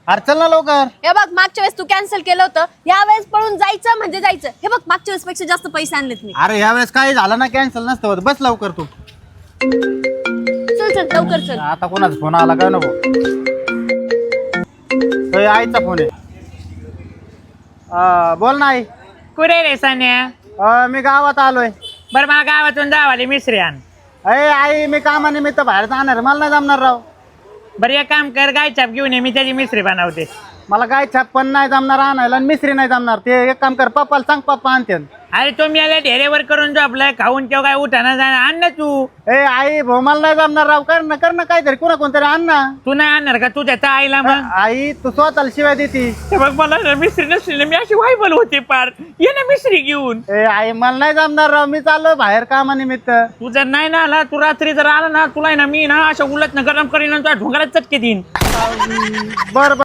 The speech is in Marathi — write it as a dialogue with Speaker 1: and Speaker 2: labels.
Speaker 1: अरे चल ना लवकर.
Speaker 2: हे बघ मागच्या वेळेस तू कॅन्सल केलं होतं, या वेळेस पळून जायचं म्हणजे जायचं. हे बघ मागच्या वेळेस पेक्षा जास्त पैसे आणलेत मी.
Speaker 1: अरे ह्या वेळेस काही झालं ना कॅन्सल नसतं होत. बस लवकर तू.
Speaker 2: चल चल लवकर चल.
Speaker 1: आता कोणाचा फोन आला काय नको. आईचा फोन आहे. बोल ना आई.
Speaker 3: कुठे रे सान्या?
Speaker 1: मी गावात आलोय.
Speaker 3: बरं मला गावातून जावाले मिसरी आण.
Speaker 1: अरे आई मी कामानिमित्त बाहेर जाणार, मला नाही जमणार राव.
Speaker 3: बरं एक काम कर, गाय छाप घेऊन ये, मी त्याची मिसरी बनवते.
Speaker 1: मला गाय छाप पण नाही जमणार आणायला आणि मिसरी नाही जमणार. ते एक काम कर, पप्पाला सांग, पप्पा आणते.
Speaker 3: अरे तुम्ही आले ढेरेवर करून झोपलाय, खाऊन तेव्हा काय उठाना जाणार, आण ना तू.
Speaker 1: आई भाऊ मला नाही जमणार राव. कर ना काहीतरी, कोणतरी आण ना.
Speaker 3: तू नाही आणणार का तुझ्या त्या आईला? मग
Speaker 1: आई तू स्वतःला शिवाय देती.
Speaker 3: हे बघ मला ना मिसरी नसली ना, मी अशी वायबल होते पार. ये ना मिसरी घेऊन.
Speaker 1: आई मला नाही जमणार राव, मी चाललो बाहेर कामानिमित्त.
Speaker 3: तू जर नाही ना आला, तू रात्री जर आला ना, तुला ना मी ना अशा उलट गरम करीन, तुला ढोंगरात चटके देईन.
Speaker 1: बरं